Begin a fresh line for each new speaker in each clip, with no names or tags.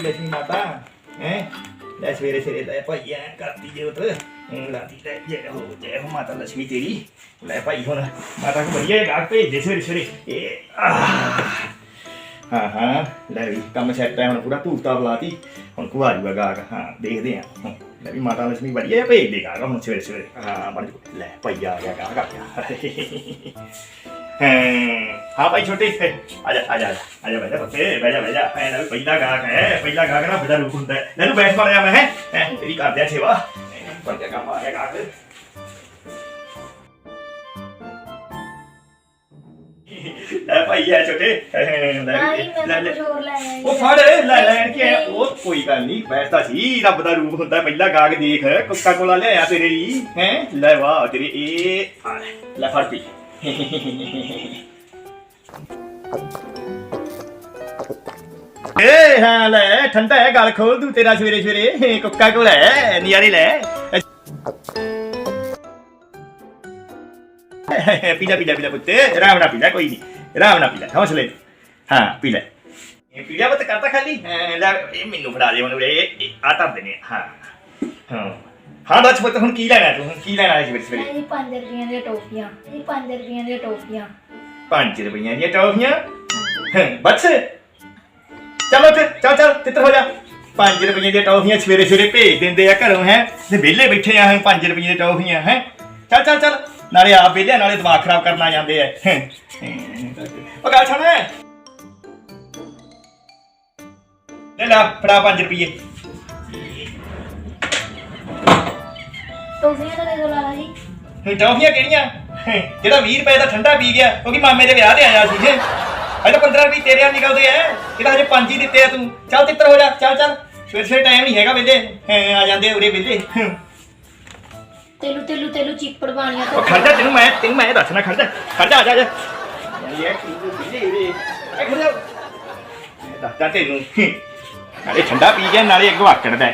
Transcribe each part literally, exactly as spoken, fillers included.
लक्ष्मी माता हैं ले सवेरे सवेरे ले भाई ऐ करती जे उधर लाती ले जय हो जय हो माता लक्ष्मी तेरी ले भाई हुण माता को बढ़िया गाहक भेज दे सवेरे सवेरे ए हाँ हाँ ले भी कम सैट है हुण पूरा धूप ताप लाती हुण को आ जाऊगा गाहक हाँ देखते हैं ले भी माता लक्ष्मी बढ़िया भेज दे गाहक हुण सवेरे सवेरे हाँ बन ले भाई आ गया गाहक आ गया हाँ भाई छोटे आजा आजा आजा बैठा बच्चे बैठा बैठा है पहला गाहक है पहला गाहक ना बड़ा रूप होता है ले बैठ पा रहा मैं है तेरी कर दिया सेवा पर क्या काम आ गया गाहक ले भाई है छोटे वो फड़ ले लैन के वो कोई गल नहीं बैठता सी रब दा रूप होता है पहला गाहक देख कोका कोला ले आया तेरे लिए हैं ले वाह तेरी ए ले फड़ पी ए हाँ ले ठंडा है गल खोल तू तेरा सवेरे सवेरे कोका कोला है नियारे ले पीला पीला पीला पुत्ते राम ना पीला कोई नहीं राम ना पीला हौसले हाँ पीला पीला पुत्त करता खाली ले मैनू फड़ा दे मैनू आ धर देने हाँ हाँ हाँ दस पुत्त हुण की लेना तू की लेना है सवेरे सवेरे
पांच रुपये दी टॉफियां पांच रुपये दी टॉफियां
पांच रुपये दी टॉफियां बस चलो फिर चल चल तित्र हो जा पांच रुपये दी टॉफियां सवेरे सवेरे भेज देंदे आ घरों है वेले बैठे आ पांच रुपये दी टॉफियां है चल चल चल नाले आप वेले नाले दिमाग खराब करना जाते हैं ओ गल सुन ले ला फड़ा पांच रुपये
टॉफियां दे दो लाला जी
टॉफियां केड़ियां जेड़ा बीस रुपए दा ठंडा पी गया क्योंकि मामे दे ब्याह ते आया सी अजे तो पंद्रह रुपये तेरे निकलते हैं ਇਹਦਾ ਹਜੇ ਪੰਜ ਹੀ ਦਿੱਤੇ ਆ ਤੂੰ ਚੱਲ ਤਿੱਤਰ ਹੋ ਜਾ ਚੱਲ ਚੱਲ ਸਵੇਰੇ ਸਵੇਰੇ ਟਾਈਮ ਨਹੀਂ ਹੈਗਾ ਵੇਲੇ ਆ ਜਾਂਦੇ ਉਰੇ ਵੇਲੇ
ਤੇਲੂ ਤੇਲੂ ਤੇਲੂ ਚੀਪੜ ਬਾਣੀਆਂ
ਉਹ ਖੜ ਜਾ ਤੈਨੂੰ ਮੈਂ ਤੈਨੂੰ ਮੈਂ ਦੱਸਣਾ ਖੜ ਜਾ ਖੜ ਜਾ ਆ ਜਾ ਇਹ ਕੀ ਵੇਲੇ ਉਰੇ ਇਹ ਖੜ ਜਾ ਦੱਸਦਾ ਤੈਨੂੰ ਨਾਲੇ ਠੰਡਾ ਪੀ ਗਿਆ ਨਾਲੇ ਅੱਗੋਂ ਆਕੜਦਾ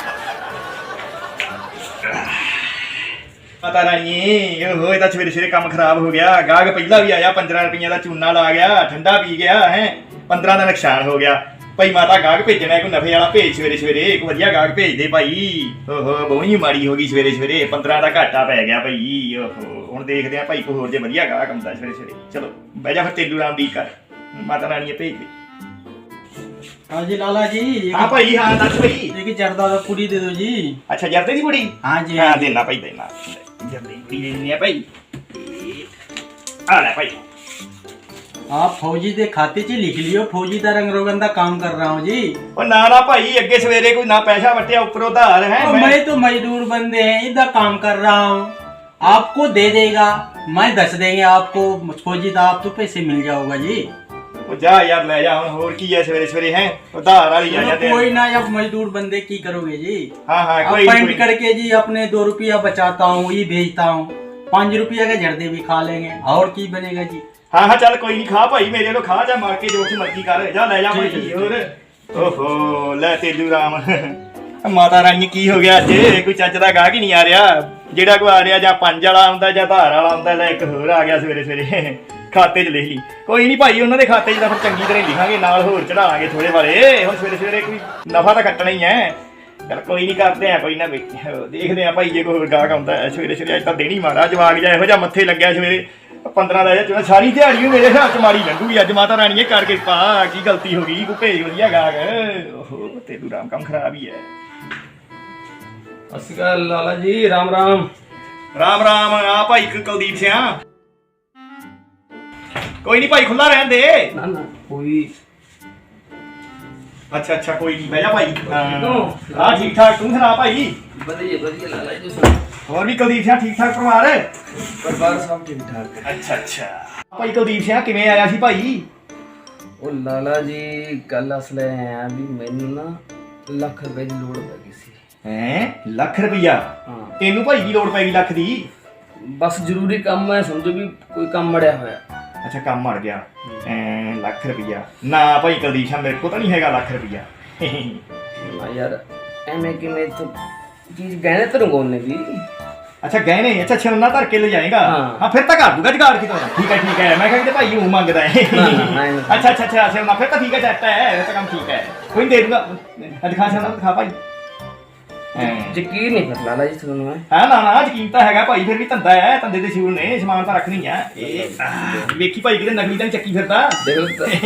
पता नहीं ओहो ये सवेरे सवेरे काम खराब हो गया गाहक पहला भी आया पंद्रह रुपये का चूना ला गया ठंडा पी गया है पंद्रह का नुकसान हो गया भाई माता गाहक भेजना कोई नफे वाला भेज सवेरे सवेरे एक वधिया गाहक भेज दे भाई ओहो बहुत ही माड़ी हो गई सवेरे सवेरे पंद्रह का घाटा पै गया भाई ओहो हुण देखते हैं भाई कोई होर जे वधिया गाहक आउंदा सवेरे सवेरे चलो बह जा फिर तेलू राम दी कर माता रानी भेज दे
हाँ जी लाला जी
हाँ भाई हाँ दस भाई
एक जर्दा दा पूरी दे दो जी
अच्छा जर्दे दी पूरी
हाँ जी
हाँ देना भाई देना जर्दे की पूरी देनी है भाई आ ले भाई
आप फौजी दे खाते च लिख लियो फौजी दा रंग रोगन दा काम कर रहा हूँ जी
ओ ना ना भाई अगे सवेरे कोई ना पैसा वटिया ऊपर उधार है
मैं, मैं तो मजदूर बंदे हैं इधर काम कर रहा हूँ आपको दे देगा मैं दस देंगे आपको फौजी दा आप तो पैसे मिल जाओगा जी
जा यार ले जा हुन होर की है सवेरे सवेरे हैं उधार वाली आ जाते
कोई ना अब मजदूर बंदे की करोगे जी
हां हां कोई
पॉइंट करके जी अपने दो रुपया बचाता हूँ ये भेजता हूँ पांच रुपया के जर्दे भी खा लेंगे और की बनेगा जी
हां हां चल कोई नहीं खा भाई मेरे को खा जा मार के जो मर्जी कर जा ले जा भाई और ओहो ले तेलू राम माता रानी की हो गया अज कोई चज दा गाहक ही नहीं आ रहा जेड़ा कोई आ रहा ਜਾਂ ਪੰਜ ਵਾਲਾ ਆਉਂਦਾ ਜਾਂ ਧਾਰ ਵਾਲਾ ਆਉਂਦਾ ਲੈ ਇੱਕ ਹੋਰ ਆ ਗਿਆ ਸਵੇਰੇ ਸਵੇਰੇ ਖਾਤੇ 'ਚ ਲਿਖ ਲਈ ਕੋਈ ਨਹੀਂ ਭਾਈ ਉਹਨਾਂ ਦੇ ਖਾਤੇ 'ਚ ਤਾਂ ਫਿਰ ਚੰਗੀ ਤਰ੍ਹਾਂ ਲਿਖਾਂਗੇ ਨਾਲ ਹੋਰ ਚੜਾਵਾਂਗੇ ਥੋੜੇ ਵਾਲੇ ਹੁਣ ਸਵੇਰੇ ਸਵੇਰੇ ਕੋਈ ਨਫਾ ਤਾਂ ਕੱਟਣਾ ਹੀ ਹੈ ਚਲ ਕੋਈ ਨਹੀਂ ਕਰਦੇ ਆ ਕੋਈ ਨਾ ਦੇਖਦੇ ਆ ਭਾਈ ਜੇ ਕੋਈ ਹੋਰ ਗਾਹਕ ਆਉਂਦਾ ਸਵੇਰੇ ਸਵੇਰੇ ਅੱਜ ਤਾਂ ਦੇਣੀ ਮਾਰਾ ਜਵਾਗ ਜਾ ਇਹੋ ਜਿਹਾ ਮੱਥੇ ਲੱਗਿਆ ਸਵੇਰੇ ਪੰਦਰਾਂ ਦਾ ਜਾਂ ਸਾਰੀ ਦਿਹਾੜੀ ਮੇਰੇ ਹਿਸਾਬ 'ਚ ਮਾਰੀ ਲੰਘੂਗੀ ਅੱਜ ਮਾਤਾ ਰਾਣੀਏ ਕਰਕੇ ਪਾ ਕੀ ਗਲਤੀ ਹੋ ਗਈ ਕੋਈ ਭੇਜ ਵਧੀਆ ਗਾਹਕ ਓਹੋ ਤੇਲੂ ਰਾਮ ਕੰਮ ਖਰਾਬ ਹੀ ਹੈ
अस्कार लाला जी राम राम
राम राम आ भाई कुलदीप सिंह कोई नहीं भाई खुला रहन दे
ना ना कोई
अच्छा अच्छा कोई नहीं बह जा भाई हां ठीक ठाक तू सुना भाई
बढ़िया बढ़िया लाला जी सुनो
और भी कुलदीप सिंह ठीक ठाक परिवार है
परिवार सब ठीक ठाक है
अच्छा अच्छा भाई कुलदीप सिंह किवें आया सी भाई
ओ लाला जी कल असले हैं अभी मैनू ना लाख रुपए की लोड़ पै गई सी
हैं लाख रुपया
हां
तेनू भाई की लोड़ पैगी लाख दी
बस जरूरी काम है समझो भी कोई काम मड़िया होया
अच्छा काम मर गया ऐ लाख रुपया ना भाई कुलदीप सिंह मेरे को तो नहीं हैगा लाख रुपया
ना यार एमे कि मैं तो चीज गहने तो रंगोने दी
ਅੱਛਾ ਗਹਿਣੇ ਅੱਛਾ ਛੋਨਾ ਧਰ ਕੇ ਲੈ ਜਾਏਗਾ
ਹਾਂ।
ਹਾਂ ਫਿਰ ਤਾਂ ਕਰ ਦੂਗਾ ਜਗਾੜ ਕਿਤੋਂ ਠੀਕ ਹੈ ਠੀਕ ਹੈ ਮੈਂ ਕਿਹਾ ਕਿ ਭਾਈ ਉਹ ਮੰਗਦਾ ਹੈ
ਨਾ, ਨਾ, ਨਾ, ਨਾ।
ਅੱਛਾ ਅੱਛਾ ਅੱਛਾ ਛੋਨਾ ਫਿਰ ਤਾਂ ਠੀਕ ਹੈ ਚੱਟ ਹੈ ਇਹ ਤਾਂ ਕੰਮ ਠੀਕ ਹੈ ਕੋਈ ਨਹੀਂ ਦੇ ਦੂਗਾ ਆ ਦਿਖਾ ਛੋਨਾ ਦਿਖਾ ਭਾਈ ਹਾਂ
ਯਕੀਨ ਨਹੀਂ ਫਿਰ ਲਾਲਾ ਜੀ ਤੁਹਾਨੂੰ ਮੈਂ
ਹਾਂ ਨਾ ਨਾ ਯਕੀਨ ਤਾਂ ਹੈਗਾ ਭਾਈ ਫਿਰ ਵੀ ਧੰਦਾ ਹੈ ਧੰਦੇ ਦੇ ਸ਼ੂਰ ਨੇ ਸਮਾਨ ਤਾਂ ਰੱਖਣੀ ਆ ਇਹ ਆਹ, ਵੇਖੀ ਭਾਈ ਕਿਤੇ ਨਕਲੀ ਤਾਂ ਨੀ ਚੱਕੀ ਫਿਰਦਾ
ਦੇਖ ਲਓ ਤਾਂ-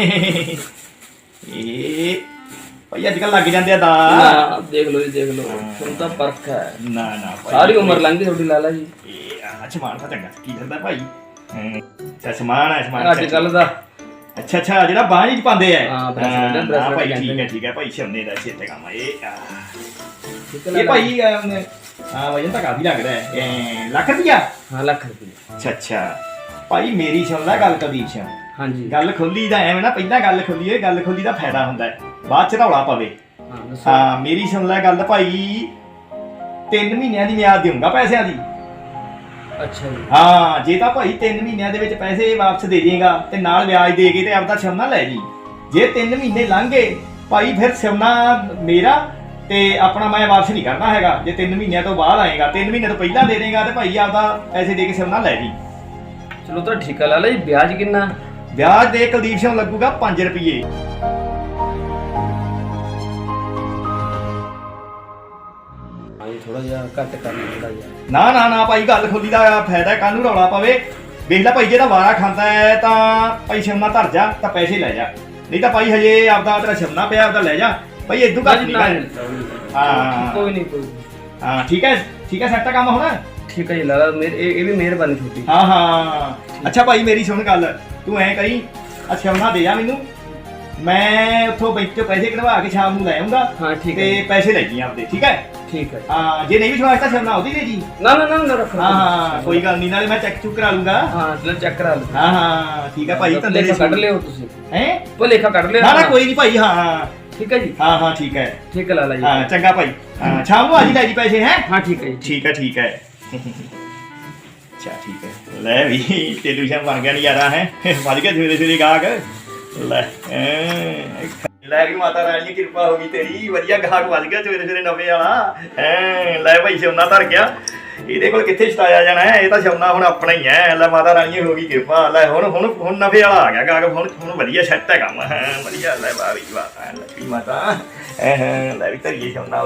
ਇਹ ਭਾਈ ਅੱਜ ਕੱਲ ਲੱਗ ਜਾਂਦੇ ਆ ਦਾ
ਨਾ ਦੇਖ ਲਓ ਜੀ ਦੇਖ ਲਓ ਤੁਹਾਨੂੰ ਤਾਂ ਪਰਖ ਹੈ
ਨਾ ਨਾ ਭਾਈ
ਸਾਰੀ ਉਮਰ ਲੰਘ ਗਈ ਤੁਹਾਡੀ ਲਾਲਾ ਜੀ
ਇਹ ਆ ਸਮਾਨ ਤਾਂ ਚੰਗਾ ਕੀ ਫਿਰਦਾ ਭਾਈ ਹਾਂ, ਅੱਛਾ ਸਮਾਨ ਹੈ ਸਮਾਨ
ਅੱਜ ਕੱਲ ਦਾ
ਅੱਛਾ ਅੱਛਾ ਜਿਹੜਾ ਬਾਂਹ ਚ ਪਾਉਂਦੇ ਆ
ਹਾਂ, bracelet,
ਹਾਂ,
bracelet
ਭਾਈ
ਕਹਿੰਦੇ
ਠੀਕ ਹੈ
ਨੇ।
ਠੀਕ ਹੈ ਭਾਈ ਸ਼ਮਨੇ ਦਾ ਛੇਤੇ ਕੰਮ ਆ ਇਹ ਆ।
ਠੀਕ ਹੈ
ਇਹ
ਲਾਲਾ ਜੀ?
ਭਾਈ ਅਮ, ਹਾਂ ਵਜਨ ਤਾਂ ਕਾਫੀ ਲੱਗਦਾ ਹੈ ਇਹ ਲੱਖ ਰੁਪਿਆ
ਹਾਂ ਲੱਖ ਰੁਪਏ
ਅੱਛਾ ਅੱਛਾ ਭਾਈ ਮੇਰੀ ਸੁਣ ਲੈ ਗੱਲ ਕਦੀਪ ਸਿੰਘ
ਹਾਂਜੀ
ਗੱਲ ਖੋਲੀ ਦਾ ਐਵੇਂ ਨਾ ਪਹਿਲਾਂ ਗੱਲ ਖੋਲੀ ਹੋਏ ਗੱਲ ਖੋਲੀ ਦਾ ਫਾਇਦਾ ਹੁੰਦਾ ਹੈ ਬਾਅਦ ਚ ਰੌਲਾ ਪਵੇ
ਹਾਂ ਦੱਸੋ
ਹਾਂ ਮੇਰੀ ਸੁਣ ਲੈ ਗੱਲ ਭਾਈ ਤਿੰਨ ਮਹੀਨਿਆਂ ਦੀ ਮਿਆਦ ਦੇਊਂਗਾ ਪੈਸਿਆਂ ਦੀ
ਅੱਛਾ ਜੀ
ਹਾਂ ਜੇ ਤਾਂ ਭਾਈ ਤਿੰਨ ਮਹੀਨਿਆਂ ਦੇ ਵਿੱਚ ਪੈਸੇ ਵਾਪਸ ਦੇ ਦੇਗਾ ਤੇ ਨਾਲ ਵਿਆਜ ਦੇ ਕੇ ਤੇ ਆਪਦਾ ਸੋਨਾ ਲੈ ਜੀ ਜੇ ਤਿੰਨ ਮਹੀਨੇ ਲੰਘ ਗਏ ਭਾਈ ਫਿਰ ਸੋਨਾ ਮੇਰਾ ਤੇ ਆਪਣਾ ਮੈਂ ਵਾਪਸ ਨਹੀਂ ਕਰਨਾ ਹੈਗਾ ਜੇ ਤਿੰਨ ਮਹੀਨਿਆਂ ਤੋਂ ਬਾਅਦ ਆਏਗਾ ਤਿੰਨ ਮਹੀਨੇ ਤੋਂ ਪਹਿਲਾਂ ਦੇ ਦੇਗਾ ਤੇ ਭਾਈ ਆਪਦਾ ਪੈਸੇ ਦੇ ਕੇ ਸੋਨਾ ਲੈ ਜੀ
ਚਲੋ ਤਾਂ ਠੀਕ ਹੈ ਲਾਲਾ ਜੀ ਵਿਆਜ ਕਿੰਨਾ
ਵਿਆਜ ਦੇ ਕੁਲਦੀਪ ਸਿੰਘ ਲੱਗੂਗਾ ਪੰਜ ਰੁਪਏ
ਹਾਂਜੀ ਥੋੜਾ ਜਿਹਾ ਘੱਟ ਕਰ ਲਓ ਥੋੜਾ ਜਿਹਾ
ਨਾ ਨਾ ਨਾ ਭਾਈ ਗੱਲ ਖੋਲੀ ਦਾ ਫਾਇਦਾ ਕਾਹਨੂੰ ਰੌਲਾ ਪਵੇ ਵੇਖ ਲੈ ਭਾਈ ਜੇ ਤਾਂ ਵਾਰਾ ਖਾਂਦਾ ਹੈ ਤਾਂ ਭਾਈ ਸੋਨਾ ਧਰ ਜਾ ਤਾਂ ਪੈਸੇ ਲੈ ਜਾ ਨਹੀਂ ਤਾਂ ਭਾਈ ਹਜੇ ਆਪਦਾ ਤੇਰਾ ਸੋਨਾ ਪਿਆ ਆਪਦਾ ਲੈ ਜਾ ਭਾਈ ਇਦੋਂ ਘੱਟ ਨਹੀਂ ਕਰ ਹਾਂ।
ਕੋਈ ਨਹੀਂ ਕੋਈ ਨੀ।
ਹਾਂ ਠੀਕ ਹੈ ਠੀਕ ਹੈ ਸੈੱਟ ਕੰਮ ਹੋਣਾ
ਠੀਕ ਹੈ ਜੀ ਲਾਲਾ ਮੇਰੇ ਇਹ ਇਹ ਵੀ ਮਿਹਰਬਾਨੀ ਤੁਹਾਡੀ
ਹਾਂ ਹਾਂ ਅੱਛਾ ਭਾਈ ਮੇਰੀ ਸੁਣ ਗੱਲ ਤੂੰ ਐ ਕਰੀ ਅੱਛਾ ਉਹਨਾਂ ਦੇ ਜਾ ਮੈਨੂੰ ਮੈਂ ਉੱਥੋਂ ਬੈਂਕ ਚੋਂ ਪੈਸੇ ਕਢਵਾ ਕੇ ਸ਼ਾਮ ਨੂੰ ਲੈ ਆਉਂਗਾ
ਹਾਂ ਠੀਕ ਹੈ
ਤੇ
ਜੀ,
ਪੈਸੇ ਲੈ ਜੀ ਆਪਦੇ ਠੀਕ ਹੈ
ਠੀਕ ਹੈ ਜੀ।
ਹਾਂ ਜੇ ਨਹੀਂ ਵਿਸ਼ਵਾਸ ਤਾਂ ਸ਼ਾਮ ਉਹਦੀ ਦੇ ਜੀ
ਨਾ ਨਾ ਨਾ ਨਾ ਰੱਖੋ
ਹਾਂ ਹਾਂ ਕੋਈ ਗੱਲ ਨਹੀਂ ਨਾਲੇ ਮੈਂ ਚੈੱਕ ਚੁੱਕ ਕਰਾ ਲੂੰਗਾ
ਹਾਂ ਚਲੋ ਚੈੱਕ ਕਰਾ ਲਓ
ਹਾਂ ਹਾਂ ਠੀਕ ਹੈ ਭਾਈ ਤਾਂ
ਲੇਖਾ ਕੱਢ ਲਿਓ ਤੁਸੀਂ
ਹੈ
ਭੁਲੇਖਾ ਕੱਢ ਲਿਓ
ਨਾ ਨਾ ਕੋਈ ਨਹੀਂ ਭਾਈ ਹਾਂ ਹਾਂ
ਠੀਕ ਹੈ ਜੀ
ਹਾਂ ਹਾਂ ਠੀਕ ਹੈ
ਠੀਕ ਹੈ ਲਾਲਾ ਜੀ
ਹਾਂ ਚੰਗਾ ਭਾਈ ਹਾਂ ਸ਼ਾਮ ਨੂੰ ਆ ਜੀ ਲੈ ਜੀ ਪੈਸੇ ਹੈ
ਹਾਂ ਠੀਕ ਹੈ ਜੀ
ਠੀਕ ਹੈ ਠੀਕ ਹੈ ਅੱਛਾ ਠੀਕ ਹੈ ਲੈ ਵੀ ਤੇਲੂ ਸ਼ਾਮ ਬਣ ਗਿਆ ਨਜ਼ਾਰਾ ਹੈ ਵੱਜ ਗਿਆ ਸਵੇਰੇ ਸਵੇਰੇ ਗਾਹਕ ਲੈ ਐਂ, ਲੈ ਵੀ ਮਾਤਾ ਰਾਣੀ ਦੀ ਕਿਰਪਾ ਹੋ ਗਈ ਤੇਰੀ ਵਧੀਆ ਗਾਹਕ ਵੱਜ ਗਿਆ ਸਵੇਰੇ ਸਵੇਰੇ ਨਵੇਂ ਵਾਲਾ ਐ ਲੈ ਭਾਈ ਸੋਨਾ ਧਰ ਗਿਆ ਇਹਦੇ ਕੋਲ ਕਿੱਥੇ ਛਟਾਇਆ ਜਾਣਾ ਹੈ ਇਹ ਤਾਂ ਸੋਨਾ ਹੁਣ ਆਪਣਾ ਹੀ ਹੈ ਲੈ ਮਾਤਾ ਰਾਣੀ ਦੀ ਹੋ ਗਈ ਕਿਰਪਾ ਲੈ ਹੁਣ ਹੁਣ ਹੁਣ ਨਵੇਂ ਵਾਲਾ ਆ ਗਿਆ ਗਾਹਕ ਹੁਣ ਹੁਣ ਵਧੀਆ ਸੈੱਟ ਹੈ ਕੰਮ ਹੈ ਵਧੀਆ ਲੈ ਵਾਹ ਵੀ ਵਾਹ ਐ ਲੱਕੀ ਮਾਤਾ ਐ ਲੈ ਵੀ ਧਰੀਏ ਸੋਨਾ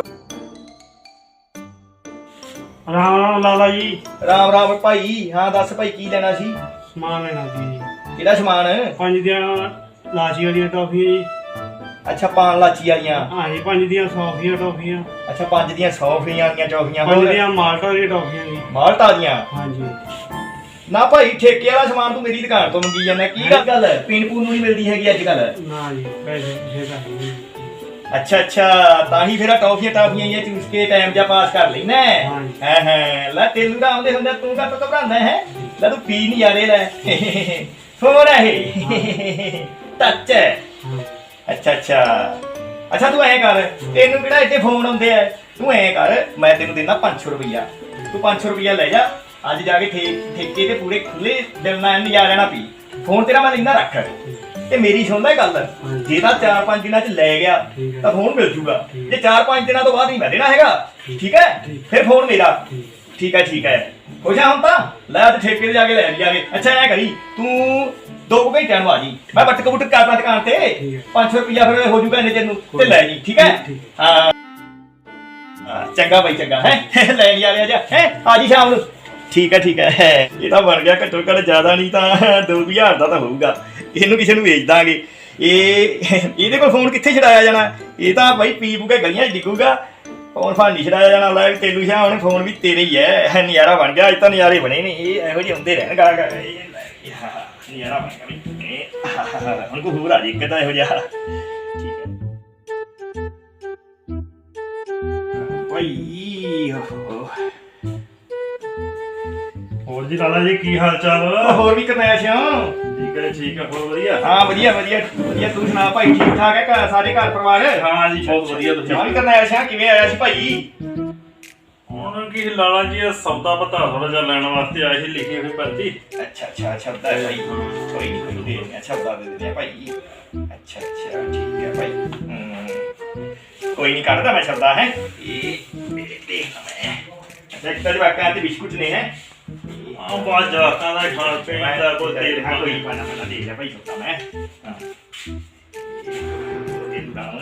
ਰਾਮ ਰਾਮ ਲਾਲਾ ਜੀ
ਰਾਮ ਰਾਮ ਭਾਈ ਹਾਂ ਦੱਸ ਭਾਈ ਕੀ ਲੈਣਾ ਸੀ
ਸਮਾਨ ਲੈਣਾ ਸੀ ਜੀ
ਕਿਹੜਾ ਸਮਾਨ
ਪੰਜ ਦੀਆਂ ਲਾਚੀ ਵਾਲੀਆਂ ਟੌਫੀਆਂ ਜੀ
ਅੱਛਾ ਪਾਨ ਲਾਚੀ ਵਾਲੀਆਂ
ਹਾਂ ਜੀ ਪੰਜ ਦੀਆਂ ਸੌਫੀਆਂ ਟੌਫੀਆਂ
ਅੱਛਾ ਪੰਜ ਦੀਆਂ ਸੌ ਫੀਆਂ ਵਾਲੀਆਂ ਚੌਫੀਆਂ
ਪੰਜ
ਹੋਰ
ਦੀਆਂ ਮਾਲਟਾ ਦੀਆਂ ਟੌਫੀਆਂ ਜੀ
ਮਾਲਟਾ ਦੀਆਂ
ਹਾਂਜੀ
ਨਾ ਭਾਈ ਠੇਕੇ ਵਾਲਾ ਸਮਾਨ ਤੂੰ ਮੇਰੀ ਦੁਕਾਨ ਤੋਂ ਮੰਗੀ ਜਾਂਦਾ ਕੀ ਗੱਲ ਗੱਲ ਹੈ ਪੀਣ ਪੂਣ ਨੂੰ ਨਹੀਂ ਮਿਲਦੀ ਹੈਗੀ ਅੱਜ ਕੱਲ
ਨਾ ਜੀ ਪੈਸੇ ਜੇ ਕਰ ਲਈ
ਅੱਛਾ ਅੱਛਾ ਤਾਂ ਹੀ ਫਿਰ ਆਹ ਟੌਫੀਆਂ ਟਾਫੀਆਂ ਇਹ ਚੂਸ ਕੇ ਟਾਈਮ ਜਾਂ ਪਾਸ ਕਰ ਲੈਣਾ
ਹਾਂਜੀ।
ਹੈ ਹੈ ਲੈ ਤੈਨੂੰ ਤਾਂ ਆਉਂਦੇ ਹੁੰਦੇ ਤੂੰ ਕਾ ਘਬਰਾਉਂਦਾ ਹੈ ਲੈ ਤੂੰ ਪੀ ਨਹੀਂ ਯਾਰੇ ਲੈ ਫੋਨ ਹੈ ਇਹ ਟੱਚ ਹੈ
ਹਾਂ
ਅੱਛਾ ਅੱਛਾ ਅੱਛਾ ਤੂੰ ਐਂ ਕਰ ਤੈਨੂੰ ਕਿਹੜਾ ਇੱਥੇ ਫੋਨ ਆਉਂਦੇ ਆ ਤੂੰ ਐਂ ਕਰ ਮੈਂ ਤੈਨੂੰ ਦਿੰਦਾ ਪੰਜ ਸੌ ਰੁਪਈਆ ਤੂੰ ਪੰਜ ਸੌ ਰੁਪਈਆ ਲੈ ਜਾ ਅੱਜ ਜਾ ਕੇ ਠੇ ਠੇਕੇ ਤੇ ਪੂਰੇ ਖੁੱਲੇ ਦਿਲ ਨਾਲ ਨਜ਼ਾਰਾ ਲੈਣਾ ਪੀ ਫੋਨ ਤੇਰਾ ਮੈਂ ਲੈਂਦਾ ਰੱਖ ਤੇ ਮੇਰੀ ਸੁਣਦਾ ਗੱਲ ਜੇ ਤਾਂ ਚਾਰ ਪੰਜ ਦਿਨਾਂ ਚ ਲੈ ਗਿਆ
ਠੀਕ ਹੈ।
ਤਾਂ ਫੋਨ ਮਿਲ ਜੂਗਾ
ਠੀਕ।
ਜੇ ਚਾਰ ਪੰਜ ਦਿਨਾਂ ਤੋਂ ਬਾਅਦ ਨਹੀਂ ਮੈਂ ਦੇਣਾ ਹੈਗਾ ਠੀਕ ਹੈ
ਠੀਕ।
ਫਿਰ ਫੋਨ ਮੇਰਾ
ਠੀਕ।
ਠੀਕ ਹੈ ਠੀਕ ਹੈ ਖੁਸ਼ ਆ ਹੁਣ ਤਾਂ ਲੈ ਅੱਜ ਠੇਕੇ ਤੇ ਜਾ ਕੇ ਲੈ ਲਿਆਗੇ ਅੱਛਾ ਐ ਕਰੀ ਤੂੰ ਦੋ ਕੁ ਘੰਟਿਆਂ ਨੂੰ ਆ ਜੀ ਮੈਂ ਬੱਟਕ ਬੁੱਟਕ ਕਰਦਾ ਦੁਕਾਨ ਤੇ
ਠੀਕ ਹੈ।
ਪੰਜ ਸੌ ਰੁਪਇਆ ਫਿਰ ਹੋ ਜੂਗਾ ਇੰਨੇ ਤੈਨੂੰ ਤੇ ਲੈ ਜੀ ਠੀਕ ਹੈ
ਠੀਕ।
ਹਾਂ ਹਾਂ, ਚੰਗਾ ਬਾਈ ਚੰਗਾ ਹੈ ਲੈ ਲਿਆ ਲਿਆ ਜਾ ਹੈ ਆ ਜੀ ਸ਼ਾਮ ਨੂੰ ਠੀਕ ਹੈ ਠੀਕ ਹੈ ਇਹ ਤਾਂ ਬਣ ਗਿਆ ਘੱਟੋ ਘੱਟ ਜ਼ਿਆਦਾ ਨਹੀਂ ਤਾਂ ਦੋ ਹਜ਼ਾਰ ਦਾ ਤਾਂ ਹੋਊਗਾ ਇਹਨੂੰ ਕਿਸੇ ਨੂੰ ਵੇਚ ਦਾਂਗੇ ਇਹ ਇਹਦੇ ਕੋਲ ਫੋਨ ਕਿੱਥੇ ਛਡਾਇਆ ਜਾਣਾ ਇਹ ਤਾਂ ਬਾਈ ਪੀ ਪੂ ਕੇ ਗਲੀਆਂ 'ਚ ਡਿੱਗੂਗਾ ਫੋਨ ਫਾਨ ਨਹੀਂ ਛਡਾਇਆ ਜਾਣਾ ਲੈ ਵੀ ਤੇਲੂ ਸ਼ਾਹ ਹੁਣ ਫੋਨ ਵੀ ਤੇਰੇ ਹੀ ਹੈ ਨਜ਼ਾਰਾ ਬਣ ਗਿਆ ਅੱਜ ਤਾਂ ਨਜ਼ਾਰੇ ਬਣੇ ਨੇ ਇਹ ਇਹੋ ਜਿਹੇ ਹੁੰਦੇ ਰਹਿਣ ਗਾ ਗਾ ਇਹ ਨਜ਼ਾਰਾ ਬਣ ਗਿਆ ਵੀ ਇਹ ਹੁਣ ਕੋ ਹੋਰ ਆ ਜੀ ਇੱਕ ਤਾਂ ਇਹੋ ਜਿਹਾ ਠੀਕ ਹੈ ਭਾਈ ਓਹੋ
ਹੋਰ ਜੀ ਲਾਲਾ ਜੀ ਕੀ ਹਾਲ ਚਾਲ
ਹੋਰ ਵੀ ਕਰਨੈਸ਼
ਠੀਕ ਹੈ ਠੀਕ ਹੈ ਬਹੁਤ ਵਧੀਆ
ਹਾਂ ਵਧੀਆ ਵਧੀਆ ਵਧੀਆ ਤੂੰ ਸੁਣਾ ਭਾਈ ਠੀਕ ਠਾਕ ਹੈ ਘਰ ਸਾਰੇ ਘਰ ਪਰਿਵਾਰ
ਹਾਂ ਜੀ ਬਹੁਤ ਵਧੀਆ ਤੁਸੀਂ
ਹਾਂ ਵੀ ਕਰਨੈਸ਼ ਆ ਕਿਵੇਂ ਆਇਆ ਸੀ ਭਾਈ
ਹੁਣ ਕੀ ਲਾਲਾ ਜੀ ਇਹ ਸੌਦਾ ਪਤਾ ਥੋੜਾ ਜਿਹਾ ਲੈਣ ਵਾਸਤੇ ਆਏ ਸੀ ਲਿਖੀ ਹੋਈ ਪਰਚੀ
ਅੱਛਾ ਅੱਛਾ ਸ਼ਬਦ ਹੈ ਭਾਈ ਕੋਈ ਨਹੀਂ ਕੋਈ ਦੇ ਦਿੰਦੇ ਸ਼ਬਦਾਂ ਦੇ ਦਿੰਦੇ ਆ ਭਾਈ ਅੱਛਾ ਅੱਛਾ ਠੀਕ ਹੈ ਭਾਈ ਹਮ, ਕੋਈ ਨਹੀਂ ਕੱਢਦਾ ਮੈਂ ਸ਼ਬਦਾਂ ਹੈ ਇਹ ਮੇਰੇ ਦੇਖ ਮੈਂ ਇੱਕ ਤਾਂ ਜਵਾਕਾਂ ਤੇ ਬਿਸਕੁਟ ਨੇ ਹੈ
ਆ ਬਾਜ ਜਵਾਕਾਂ ਦਾ ਖਾਣ ਪੀਣ ਦਾ ਕੋਈ ਤੇਲ
ਹਾਂ ਕੋਈ
ਪਾਣੀ
ਪਾਣਾ ਪਾਣਾ ਦੇ ਲੈ ਭਾਈ ਸੋਤਾ ਮੈਂ ਹਾਂ ਇਹ ਦੁਕਾਨ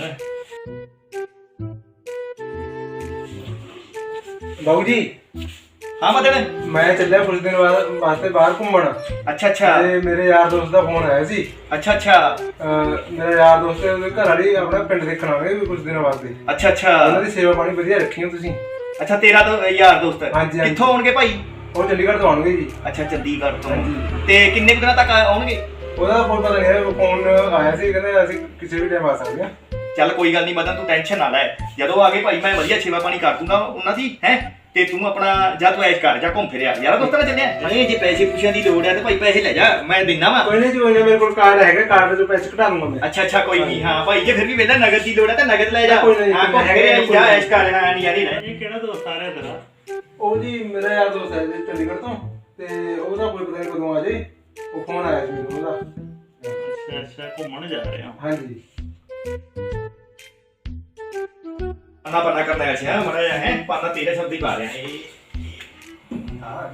ਬਾਬੂ ਜੀ
ਹਾਂ ਮਦਨ
ਮੈਂ ਚੱਲਿਆ ਕੁਝ ਦਿਨ ਬਾਅਦ ਵਾਸਤੇ ਬਾਹਰ ਘੁੰਮਣ
ਅੱਛਾ ਅੱਛਾ
ਤੇ ਮੇਰੇ ਯਾਰ ਦੋਸਤ ਦਾ ਫੋਨ ਆਇਆ ਸੀ।
ਅੱਛਾ ਅੱਛਾ
ਅਹ ਮੇਰਾ ਯਾਰ ਦੋਸਤ ਦੇ ਉਹਦੇ ਘਰ ਵਾਲੀ ਆਪਣਾ ਪਿੰਡ ਦੇਖਣ ਆਵੇ ਕੁਝ ਦਿਨਾਂ ਵਾਸਤੇ।
ਅੱਛਾ ਅੱਛਾ
ਉਹਨਾਂ ਦੀ ਸੇਵਾ ਪਾਣੀ ਵਧੀਆ ਰੱਖੀ ਹੋ ਤੁਸੀਂ।
ਅੱਛਾ ਤੇਰਾ ਤਾਂ ਯਾਰ ਦੋਸਤ
ਹਾਂਜੀ, ਹਾਂਜੀ।
ਕਿੱਥੋਂ ਆਉਣਗੇ ਭਾਈ?
ਉਹ ਚੰਡੀਗੜ੍ਹ ਤੋਂ ਆਉਣਗੇ ਜੀ।
ਅੱਛਾ ਚੰਡੀਗੜ੍ਹ ਤੋਂ
ਹਾਂਜੀ।
ਤੇ ਕਿੰਨੇ ਕੁ ਦਿਨਾਂ ਤੱਕ ਆ- ਆਉਣਗੇ?
ਉਹਦਾ ਕੋਈ ਪਤਾ ਨਹੀਂ ਹੈ, ਉਹ ਫੋਨ ਆਇਆ ਸੀ ਕਹਿੰਦੇ ਅਸੀਂ ਕਿਸੇ ਵੀ ਟਾਈਮ ਆ ਸਕਦੇ ਹਾਂ।
ਚੱਲ ਕੋਈ ਗੱਲ ਨਹੀਂ ਮਦਨ ਤੂੰ ਟੈਨਸ਼ਨ ਨਾ ਲੈ ਜਦੋਂ ਆ ਗਏ ਭਾਈ ਮੈਂ ਵਧੀਆ ਸੇਵਾ ਪਾਣੀ ਕਰ ਦੂੰਗਾ ਉਹਨਾਂ ਦੀ ਹੈ ਤੇ ਤੂੰ ਆਪਣਾ ਜਾ ਤੂੰ ਐਸ਼ ਕਰ ਜਾ ਘੁੰਮ ਫਿਰਿਆ ਯਾਰ ਦੋਸਤਾਂ ਨਾਲ ਚੱਲਿਆ ਨਹੀਂ ਜੇ ਪੈਸੇ ਪੂਸਿਆਂ ਦੀ ਲੋੜ ਹੈ ਤੇ ਭਾਈ ਪੈਸੇ ਲੈ ਜਾ ਮੈਂ ਦਿੰਦਾ ਵਾ
ਕੋਈ ਨਹੀਂ ਜੀ ਕੋਈ ਨਹੀਂ, ਮੇਰੇ ਕੋਲ ਕਾਰਡ ਹੈਗਾ, ਕਾਰਡ ਤੋਂ ਪੈਸੇ ਕਢਾ ਲੂੰਗਾ ਮੈਂ।
ਅੱਛਾ ਅੱਛਾ ਕੋਈ ਨਹੀਂ ਹਾਂ ਭਾਈ ਜੇ ਫਿਰ ਵੀ ਵੇਲਾ ਨਗਦ ਦੀ ਲੋੜ ਹੈ ਤਾਂ ਨਗਦ ਲੈ ਜਾ
ਕੋਈ ਨਹੀਂ,
ਹਾਂ ਘੁੰਮ
ਹੈਗਾ,
ਫਿਰਿਆ
ਕੋਈ
ਜਾ
ਨਹੀਂ।
ਐਸ਼ ਕਰ ਹਾਂ ਨਹੀਂ ਯਾਰੀ ਲੈ
ਇਹ ਕਿਹੜਾ ਦੋਸਤ ਆ ਰਿਹਾ ਤੇਰਾ?
ਉਹ ਜੀ ਮੇਰਾ ਯਾਰ ਦੋਸਤ ਹੈ ਜੀ ਚੰਡੀਗੜ੍ਹ ਤੋਂ ਤੇ ਉਹਦਾ ਕੋਈ ਪਤਾ ਨਹੀਂ ਕਦੋਂ ਆ ਜੇ। ਉਹ ਫੋਨ ਆਇਆ ਸੀ ਮੈਨੂੰ ਉਹਦਾ।
ਅੱਛਾ ਅੱਛਾ ਘੁੰਮਣ ਜਾ ਰਹੇ ਹੋ।
ਹਾਂਜੀ
ਨਾ ਪਤਾ ਕਰਦਾ ਹੈ ਸਿਆ ਮਰਾ ਹੈ ਪਾਣਾ ਤੇਰੇ ਸ਼ਬਦ ਹੀ ਪਾ ਰਿਹਾ ਇਹ ਹਾਂ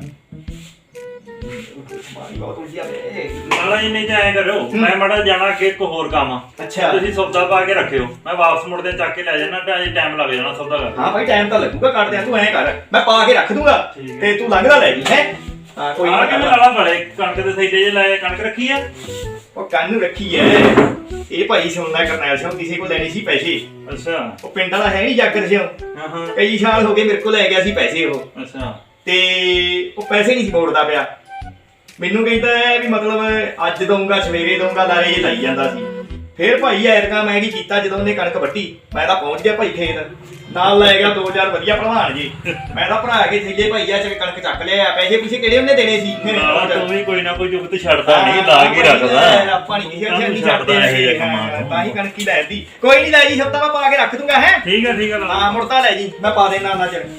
ਮਾਰੀ ਬਹੁਤ ਉਲਝਿਆ ਵੇ
ਮਾਲਾ ਜੀ ਨਹੀਂ ਤਾਂ ਐਂ ਕਰਿਓ ਮੈਂ ਮੜਾ ਜਾਣਾ ਕਿ ਇੱਕ ਹੋਰ ਕੰਮ ਆ
ਅੱਛਾ
ਤੁਸੀਂ ਸੌਦਾ ਪਾ ਕੇ ਰੱਖਿਓ ਮੈਂ ਵਾਪਸ ਮੁੜਦੇ ਚੱਕ ਕੇ ਲੈ ਜਾਣਾ ਤੇ ਅਜੇ ਟਾਈਮ ਲੱਗ ਜਾਣਾ ਸੌਦਾ ਕਰ
ਹਾਂ ਭਾਈ ਟਾਈਮ ਤਾਂ ਲੱਗੂਗਾ ਕੱਢ ਦਿਆਂ ਤੂੰ ਐਂ ਕਰ ਮੈਂ ਪਾ ਕੇ ਰੱਖ ਦੂੰਗਾ
ਠੀਕ
ਤੇ ਤੂੰ ਲੰਘਦਾ ਲੈ ਜੀ ਹੈ ਹਾਂ ਕੋਈ
ਆ
ਨਾ
ਕੇ ਲਾਲਾ ਬੜੇ ਕਣਕ ਦੇ ਥੈਲੇ ਜੇ ਲਾਏ ਕਣਕ ਰੱਖੀ ਆ
ਉਹ ਕੰਨ ਨੂੰ ਰੱਖੀ ਐ ਇਹ ਭਾਈ ਸੁਣਦਾ ਕਰਨੈਲ ਸਿੰਘ ਕਿਸੇ ਕੋਲ ਲੈਣੇ ਸੀ ਪੈਸੇ
ਅੱਛਾ
ਉਹ ਪਿੰਡ ਵਾਲਾ ਹੈ ਨਹੀਂ ਜਾਗਰ ਸਿੰਘ
ਹਾਂ ਹਾਂ
ਕਈ ਸਾਲ ਹੋ ਗਏ ਮੇਰੇ ਕੋਲ ਲੈ ਗਿਆ ਸੀ ਪੈਸੇ ਉਹ
ਅੱਛਾ
ਤੇ ਉਹ ਪੈਸੇ ਨਹੀਂ ਸੀ ਮੋੜਦਾ ਪਿਆ ਮੈਨੂੰ ਕਹਿੰਦਾ ਹੈ ਵੀ ਮਤਲਬ ਅੱਜ ਦਊਂਗਾ ਸਵੇਰੇ ਦਊਂਗਾ ਲਾਰੇ ਜੇ ਲਾਈ ਜਾਂਦਾ ਸੀ ਫਿਰ ਭਾਈ ਐਰਕਾ ਮੈਂ ਕੀ ਕੀਤਾ ਜਦੋਂ ਉਹਨੇ ਕਣਕ ਵੱਢੀ ਮੈਂ ਤਾਂ ਪਹੁੰਚ ਗਿਆ ਭਾਈ ਖੇਤ ਨਾਲ ਲੈ ਗਿਆ ਦੋ ਚਾਰ ਵਧੀਆ ਭਲਵਾਨ ਜੀ ਮੈਂ ਤਾਂ ਭਰਾ ਕੇ ਥੱਲੇ ਭਾਈ ਆ ਚ ਕਣਕ ਚੱਕ ਲਿਆ ਪੈਸੇ ਪਿੱਛੇ ਕਿਹੜੇ ਉਹਨੇ ਦੇਣੇ ਸੀ
ਲਾਲਾ ਤੂੰ ਵੀ ਕੋਈ ਨਾ ਕੋਈ ਜੁਗਤ ਛੱਡਦਾ ਨਹੀਂ ਲਾ ਕੇ ਰੱਖਦਾ
ਆਪਾਂ ਨਹੀਂ ਕਿਸੇ
ਸਾਨੂੰ
ਨਹੀਂ
ਛੱਡਦਾ
ਛੱਡਦੇ
ਇਹ
ਅਸੀਂ,
ਕੰਮਾਂ
ਹਾਂ,
ਤੋਂ।
ਤਾਂ ਹੀ ਕਣਕੀ ਲੈ ਦੀ ਕੋਈ ਨਹੀਂ ਲੈ ਜੀ ਸਭ ਤਾਂ ਮੈਂ ਪਾ ਕੇ ਰੱਖ ਦੂੰਗਾ ਹੈ
ਠੀਕ ਆ ਠੀਕ ਆ ਲਾਲਾ
ਹਾਂ ਮੁੜਤਾ ਲੈ ਜੀ ਮੈਂ ਪਾ ਦੇਣਾ ਨਾ ਚਿਰ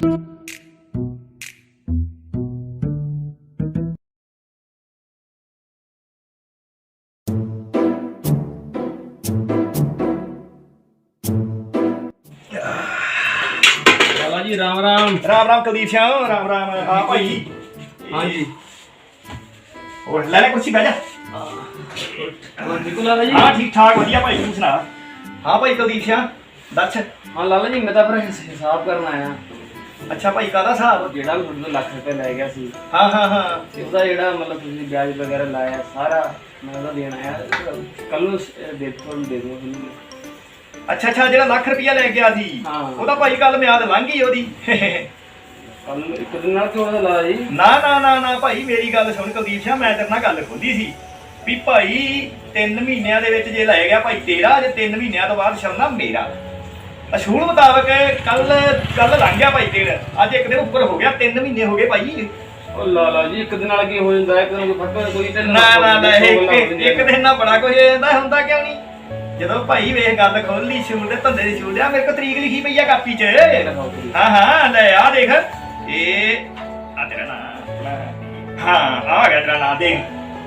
ਲਾਲਾ ਜੀ ਰਾਮ ਰਾਮ।
ਰਾਮ ਰਾਮ ਕੁਲਦੀਪ ਸਿੰਘ ਰਾਮ ਰਾਮ ਆ ਭਾਈ
ਹਾਂਜੀ
ਹੋਰ ਲੈ ਲੈ ਕੁਰਸੀ ਬਹਿ ਜਾ
ਹੋਰ ਠੀਕ ਹੋ ਲਾਲਾ ਜੀ?
ਹਾਂ ਠੀਕ ਠਾਕ ਵਧੀਆ ਭਾਈ ਤੂੰ ਸੁਣਾ ਹਾਂ ਭਾਈ ਕੁਲਦੀਪ ਸਿੰਘ ਦੱਸ
ਹਾਂ ਲਾਲਾ ਜੀ ਮੈਂ ਤਾਂ ਫਿਰ ਹਿਸ- ਹਿਸਾਬ ਕਰਨ ਆਇਆ।
ਅੱਛਾ ਭਾਈ ਕਾਹਦਾ ਹਿਸਾਬ
ਜਿਹੜਾ ਵੀ ਤੁਹਾਡੇ ਤੋਂ ਲੱਖ ਰੁਪਏ ਲੈ ਗਿਆ ਸੀ
ਹਾਂ ਹਾਂ ਹਾਂ
ਤੇ ਉਹਦਾ ਜਿਹੜਾ ਮਤਲਬ ਤੁਸੀਂ ਵਿਆਜ ਵਗੈਰਾ ਲਾਇਆ ਸਾਰਾ ਮੈਂ ਉਹਦਾ ਦੇਣ ਆਇਆ। ਕੱਲ ਨੂੰ ਸ- ਦੇ ਤੁਹਾਨੂੰ ਦੇ ਦੂੰਗਾ ਤੁਹਾਨੂੰ।
ਅੱਛਾ ਅੱਛਾ ਜਿਹੜਾ ਲੱਖ ਰੁਪਇਆ ਲੈ ਗਿਆ ਸੀ
ਹਾਂ।
ਉਹਦਾ ਭਾਈ ਕੱਲ ਮਿਆਦ ਲੰਘ ਗਈ ਉਹਦੀ
ਕੱਲ ਨੂੰ ਇੱਕ ਦਿਨ ਨਾਲ ਕਿਉਂ ਉਹਦਾ ਲਾਲਾ ਜੀ?
ਨਾ ਨਾ ਨਾ ਨਾ ਭਾਈ ਮੇਰੀ ਗੱਲ ਸੁਣ ਕੁਲਦੀਪ ਸਿੰਘ ਮੈਂ ਤੇਰੇ ਨਾਲ ਗੱਲ ਖੋਲੀ ਸੀ ਵੀ ਭਾਈ ਤਿੰਨ ਮਹੀਨਿਆਂ ਦੇ ਵਿੱਚ ਜੇ ਲੈ ਗਿਆ ਭਾਈ ਤੇਰਾ ਜੇ ਤਿੰਨ ਮਹੀਨਿਆਂ ਤੋਂ ਬਾਅਦ ਸ਼ਰਨਾ ਮੇਰਾ ਅਸ਼ੂਲ ਮੁਤਾਬਕ ਕੱਲ ਕੱਲ ਲੰਘ ਗਿਆ ਭਾਈ ਦਿਨ ਅੱਜ ਇੱਕ ਦਿਨ ਉੱਪਰ ਹੋ ਗਿਆ ਤਿੰਨ ਮਹੀਨੇ ਹੋ ਗਏ ਭਾਈ
ਉਹ ਲਾਲਾ ਜੀ ਇੱਕ ਦਿਨ ਨਾਲ ਕੀ ਹੋ ਜਾਂਦਾ ਹੈ? ਇੱਕ ਦਿਨ ਕੋਈ ਫਰਕ ਕੋਈ ਤੇ
ਨਾ ਨਾ ਨਾ ਇੱਕ ਇੱਕ ਦਿਨ ਨਾਲ ਬੜਾ ਕੁਝ ਹੋ ਜਾਂਦਾ ਹੁੰਦਾ ਕਿਉਂ ਨਹੀਂ ਜਦੋਂ ਭਾਈ ਵੇਖ ਗੱਲ ਖੋਲੀ ਸ਼ੂਲ ਦੇ ਧੰਦੇ ਦੀ ਸ਼ੂਲ ਆ ਮੇਰੇ ਕੋਲ ਤਰੀਕ ਲਿਖੀ ਪਈ ਆ ਕਾਪੀ 'ਚ ਹਾਂ ਹਾਂ ਲੈ ਆ ਦੇਖ ਇਹ ਆ ਤੇਰਾ ਨਾਂ ਹਾਂ ਆ ਗਿਆ ਤੇਰਾ ਨਾਂ ਦੇਖ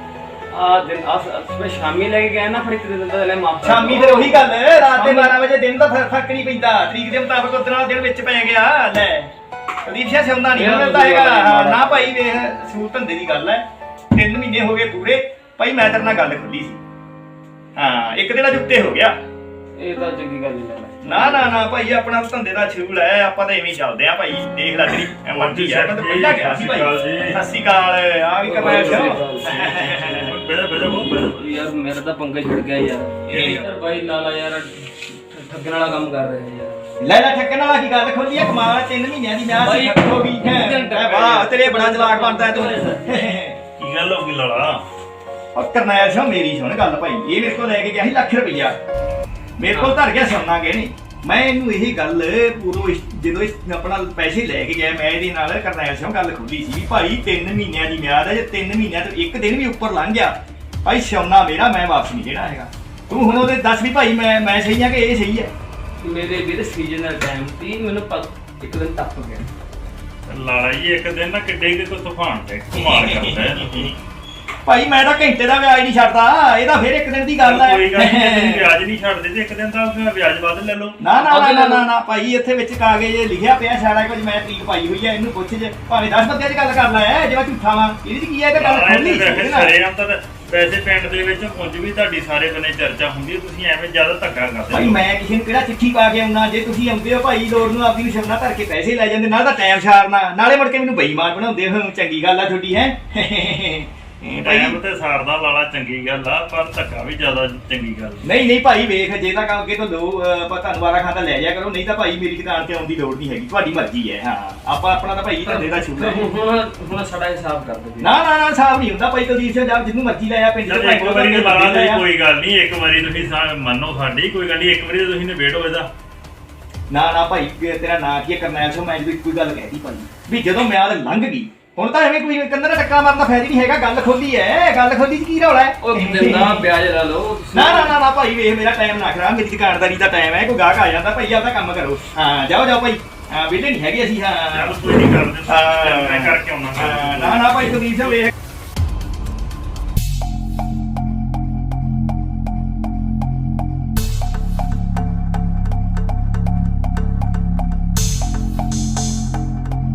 ਆ ਦਿਨ ਅਸ ਸਵੇਰ ਸ਼ਾਮੀ ਲੈ ਕੇ ਗਿਆ ਨਾ ਫਿਰ ਇੱਕ ਦਿਨ ਦਾ ਲੈ ਮਾਫ
ਸ਼ਾਮੀ ਫਿਰ ਉਹੀ ਗੱਲ ਰਾਤ ਦੇ ਬਾਰਾਂ ਵਜੇ ਦਿਨ ਦਾ ਫਰ- ਫਰਕ ਨਹੀਂ ਪੈਂਦਾ ਤਰੀਕ ਦੇ ਮੁਤਾਬਕ ਉਦੋਂ ਨਾਲ ਦਿਨ ਵਿੱਚ ਪੈ ਗਿਆ ਲੈ ਕੁਲਦੀਪ ਸਿੰਘ ਸੌਂਦਾ ਨਹੀਂ ਮਿਲਦਾ ਹੈਗਾ ਹਾਂ, ਨਾ ਭਾਈ ਵੇਖ ਸੂਲ ਧੰਦੇ ਦੀ ਗੱਲ ਹੈ ਤਿੰਨ ਮਹੀਨੇ ਹੋ ਗਏ ਪੂਰੇ ਭਾਈ ਮੈਂ ਤੇਰੇ ਨਾਲ ਗੱਲ ਖੁੱਲੀ ਸੀ ਹਾਂ ਇੱਕ ਦਿਨ ਅੱਜ ਉੱਤੇ ਹੋ ਗਿਆ
ਇਹ ਤਾਂ ਚੰਗੀ ਗੱਲ ਨਹੀਂ ਲਾਲਾ।
ਨਾ ਨਾ ਨਾ ਭਾਈ ਆਪਣਾ ਧੰਦੇ ਦਾ ਛੂਲ ਹੈ ਆਪਾਂ ਤਾਂ ਐਵੇਂ ਹੀ ਚੱਲਦੇ ਆ ਭਾਈ ਦੇਖ ਲੈ ਤੇਰੀ ਮਰਜ਼ੀ ਹੈ ਮੈਂ ਤਾਂ ਪਹਿਲਾਂ ਗਿਆ ਸੀ ਭਾਈ ਸਤਿ ਸ਼੍ਰੀ ਅਕਾਲ ਆ ਵੀ ਕਰਨਾ ਸ਼ੋ
ਬੇੜਾ ਬੇੜਾ ਬਹੁਤ ਬੇੜਾ
ਯਾਰ ਮੇਰਾ ਤਾਂ ਪੰਗਾ ਛਿੜ ਗਿਆ ਯਾਰ ਯਾਰ ਭਾਈ ਲਾਲਾ ਯਾਰ ਠ- ਠੱਗਣ ਵਾਲਾ ਕੰਮ ਕਰ ਰਿਹਾ ਯਾਰ।
ਲੈ ਲੈ ਠੱਕਣ ਵਾਲਾ ਕੀ ਗੱਲ ਖੋਲੀ ਆ ਕਮਾਲ ਆ, ਤਿੰਨ ਮਹੀਨਿਆਂ ਦੀ ਵਿਆਹ ਸੀ ਹੋ ਗਈ ਹੈ ਵਾਹ ਤੇਰੇ ਬੜਾ ਚਲਾਕ ਬਣਦਾ ਤੂੰ
ਕੀ ਗੱਲ ਹੋ ਗਈ ਲਾਲਾ
ਉਹ ਕਰਨੈਲ ਸਿੰਘ ਮੇਰੀ ਸੁਣ ਗੱਲ ਭਾਈ ਇਹ ਮੇਰੇ ਕੋਲ ਲੈ ਕੇ ਗਿਆ ਸੀ ਲੱਖ ਰੁਪਈਆ ਮੇਰੇ ਕੋਲ ਧਰ ਗਿਆ ਸੋਨਾ ਗਏ ਨਹੀਂ ਮੈਂ ਇਹਨੂੰ ਇਹ ਗੱਲ ਪੂਰੋ ਇਸ- ਜਦੋਂ ਇਸ ਆਪਣਾ ਪੈਸੇ ਲੈ ਕੇ ਗਿਆ ਮੈਂ ਇਹਦੇ ਨਾਲ ਕਰਨੈਲ ਸਿੰਘ ਗੱਲ ਖੁੱਲੀ ਸੀ ਵੀ ਭਾਈ ਤਿੰਨ ਮਹੀਨਿਆਂ ਦੀ ਮਿਆਦ ਹੈ ਜੇ ਤਿੰਨ ਮਹੀਨਿਆਂ ਤੋਂ ਇੱਕ ਦਿਨ ਵੀ ਉੱਪਰ ਲੰਘ ਗਿਆ ਭਾਈ ਸੋਨਾ ਮੇਰਾ ਮੈਂ ਵਾਪਸ ਨਹੀਂ ਦੇਣਾ ਹੈਗਾ ਤੂੰ ਹੁਣ ਉਹਦੇ ਦੱਸ ਵੀ ਭਾਈ ਮੈਂ ਮੈਂ ਸਹੀ ਆ ਕਿ ਇਹ ਸਹੀ ਹੈ
ਮੇਰੇ ਵੀਰ ਸੀਜ਼ਨ ਦਾ ਟਾਈਮ ਸੀ ਮੈਨੂੰ ਪਤ- ਇੱਕ ਦਿਨ ਟੱਪ ਗਿਆ।
ਲਾਲਾ ਜੀ ਇੱਕ ਦਿਨ ਨਾ ਕਿੱਡੇ ਕਿ ਕੋਈ ਤੂਫਾਨ ਤੇ ਕਮਾਲ ਕਰਦਾ ਹੈ
ਭਾਈ ਮੈਂ ਤਾਂ ਘੰਟੇ ਦਾ ਵਿਆਜ ਨਹੀਂ ਛੱਡਦਾ, ਇਹ ਤਾਂ ਫਿਰ ਇੱਕ ਦਿਨ ਦੀ ਗੱਲ ਹੈ।
ਕੋਈ ਗੱਲ ਨਹੀਂ, ਜੇ ਤੁਸੀਂ ਵਿਆਜ ਨਹੀਂ ਛੱਡਦੇ ਤੇ ਇੱਕ ਦਿਨ ਦਾ ਵਿਆਜ ਵੱਧ ਲੈ ਲਓ।
ਨਾ ਨਾ ਨਾ ਨਾ ਨਾ ਨਾ ਭਾਈ ਇੱਥੇ ਵਿੱਚ ਕਾਗਜ਼ ਲਿਖਿਆ ਪਿਆ ਸਾਰਾ ਕੁਝ, ਮੈਂ ਤਰੀਕ ਪਾਈ ਹੋਈ ਹੈ, ਇਹਨੂੰ ਪੁੱਛ ਜੇ ਭਾਵੇਂ ਦਸ ਬੰਦਿਆਂ 'ਚ ਗੱਲ ਕਰ ਲੈ, ਜਿਹੜਾ ਝੂਠਾ ਵਾ ਇਹਦੀ 'ਚ ਕੀ ਹੈ, ਇਹ ਤਾਂ ਗੱਲ ਖੋਲੀ
ਸਾਰੇ ਆਮ ਤਾਂ ਵੈਸੇ ਪਿੰਡ ਦੇ ਵਿੱਚ ਉਂਝ ਵੀ ਤੁਹਾਡੀ ਸਾਰੇ ਬੰਨੇ ਚਰਚਾ ਹੁੰਦੀ ਹੈ, ਤੁਸੀਂ ਐਵੇਂ ਜ਼ਿਆਦਾ ਧੱਕਾ ਕਰਦੇ
ਭਾਈ ਮੈਂ ਕਿਸੇ ਨੂੰ ਕਿਹੜਾ ਚਿੱਠੀ ਪਾ ਕੇ ਆਉਣਾ, ਜੇ ਤੁਸੀਂ ਆਉਂਦੇ ਹੋ ਭਾਈ ਲੋੜ ਨੂੰ ਆਪਦੀ ਨੂੰ ਸ਼ਬਨਾ ਧਰ ਕੇ ਪੈਸੇ ਲੈ ਜਾਂਦੇ, ਨਾਲ ਤਾਂ ਟਾਈਮ ਛਾੜਨਾ, ਨਾਲੇ ਮੁੜ ਕੇ ਮੈਨੂੰ ਬੇਈਮਾਨ ਬਣਾਉਂਦੇ ਹੋ, ਚੰਗੀ ਗੱਲ ਆ ਤੁਹਾਡੀ ਹੈ।
ਟਾਈਮ ਤੇ ਸਾਰਦਾ ਲਾਲਾ ਚੰਗੀ ਗੱਲ ਆ, ਪਰ ਧੱਕਾ ਵੀ ਜ਼ਿਆਦਾ ਚੰਗੀ ਗੱਲ
ਨਹੀਂ ਨਹੀਂ ਭਾਈ ਵੇਖ, ਜੇ ਤਾਂ ਅੱਗੇ ਤੋਂ ਲੋ ਆਪਾਂ ਤੁਹਾਨੂੰ ਵਾਰਾ ਖਾਂਦਾ ਲੈ ਜਾਇਆ ਕਰੋ, ਨਹੀਂ ਤਾਂ ਭਾਈ ਮੇਰੀ ਦੁਕਾਨ ਤੇ ਆਉਣ ਦੀ ਲੋੜ ਨਹੀਂ ਹੈਗੀ, ਤੁਹਾਡੀ ਮਰਜ਼ੀ ਹੈ। ਹਾਂ ਆਪਾਂ ਆਪਣਾ ਤਾਂ ਭਾਈ ਧੰਦੇ ਦਾ ਸ਼ੁਰੂ ਹੈ।
ਹੁਣ ਹੁਣ ਸਾਡਾ ਹਿਸਾਬ ਕਰ ਦੇ।
ਨਾ ਨਾ ਨਾ ਹਿਸਾਬ ਨਹੀਂ ਹੁੰਦਾ ਭਾਈ, ਕੁਲਦੀਪ ਸਿੰਘ ਜਦ ਜਿੰਨੂੰ ਮਰਜ਼ੀ ਲਾਇਆ ਪਿੰਡ
ਚੱਲ
ਦੇ
ਇੱਕ ਵਾਰੀ ਲਾਲਾ ਜੀ ਕੋਈ ਗੱਲ ਨਹੀਂ, ਇੱਕ ਵਾਰੀ ਤੁਸੀਂ ਸਾ- ਮੰਨੋ ਸਾਡੀ ਕੋਈ ਗੱਲ ਨਹੀਂ, ਇੱਕ ਵਾਰੀ ਤੁਸੀਂ ਨਿਬੇੜੋ ਇਹਦਾ।
ਨਾ ਨਾ ਭਾਈ ਤੇਰਾ ਨਾਂ ਕੀ ਹੈ ਕਰਨੈਲ ਸਿੰਘ, ਮੈਂ ਜਦੋਂ ਕੋਈ ਗੱਲ ਕਹਿਤੀ ਭਾਈ ਵੀ ਜਦੋਂ ਮਿਆਦ ਲੰਘ ਗਈ ਹੁਣ ਤਾਂ ਐਵੇਂ ਕੋਈ ਕੰਨਾਂ ਦਾ ਟੱਕਾ ਮਾਰਨ ਦਾ ਫਾਇਦਾ ਨਹੀਂ ਹੈਗਾ, ਗੱਲ ਖੋਲੀ ਹੈ, ਗੱਲ ਖੋਲੀ ਚ ਕੀ ਰੌਲਾ ਹੈ।
ਉਹ ਦਿੰਦਾ ਵਿਆਜ ਲਾ ਲਓ।
ਨਾ ਨਾ ਨਾ ਨਾ ਭਾਈ ਵੇਖ ਮੇਰਾ ਟਾਈਮ ਨਾ ਖਰਾਬ, ਮੇਰੀ ਦੁਕਾਨਦਾਰੀ ਦਾ ਟਾਈਮ ਹੈ, ਕੋਈ ਗਾਹਕ ਆ ਜਾਂਦਾ ਭਾਈ ਆਪਦਾ ਕੰਮ ਕਰੋ। ਹਾਂ ਜਾਓ ਜਾਓ ਭਾਈ, ਹਾਂ ਵਿਹਲੇ ਨਹੀਂ ਹੈਗੇ ਅਸੀਂ। ਹਾਂ
ਚੱਲ ਕੋਈ ਨਹੀਂ ਕਰਦੇ,
ਹਾਂ।
ਮੈਂ ਕਰਕੇ ਆਉਣਾ।
ਹਾਂ, ਨਾ ਨਾ ਭਾਈ ਕੁਲਦੀਪ ਸਿੰਘ ਵੇਖ